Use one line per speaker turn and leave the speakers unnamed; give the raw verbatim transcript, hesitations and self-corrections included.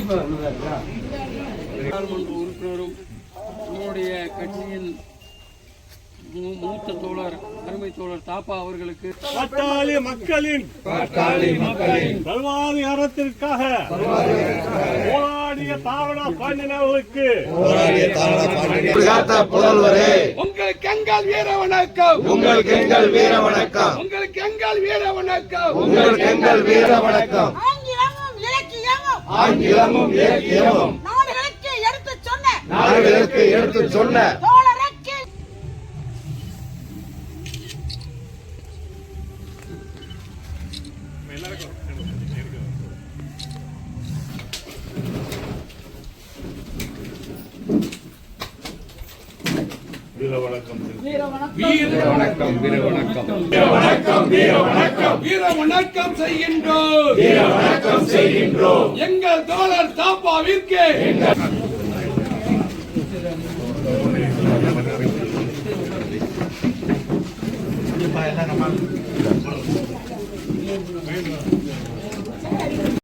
நாடாளுமன்ற உறுப்பினரும் நம்முடைய கட்சியின் மூத்த தோழர் அருமை தோழர் தாப்பா அவர்களுக்கு
பாட்டாளி மக்களின் வாழ்வாதாரத்திற்காக போராடிய தாவணா பாண்டியனர்களுக்கு
புதல்வரே,
உங்களுக்கு எங்கள் வீர வணக்கம்,
உங்களுக்கு எங்கள் வீர வணக்கம்,
உங்களுக்கு எங்கள் வீர வணக்கம்,
உங்களுக்கு எங்கள் வீர வணக்கம்.
ஆங்கிலமும் இலக்கியமும்
ஆங்கிலமும் இலக்கியமும்
நாடுகளுக்கு எடுத்து சொன்ன
நாடுகளுக்கு எடுத்து சொன்ன
தோழருக்கு
வீர வணக்கம்
வீர வணக்கம், வீர வணக்கம், வீர வணக்கம், வீர வணக்கம், வீர வணக்கம் செய்கின்றோம், வீர வணக்கம் செய்கின்றோம் எங்கள் தோழர் தாப்பாவிற்கு.
நம்ம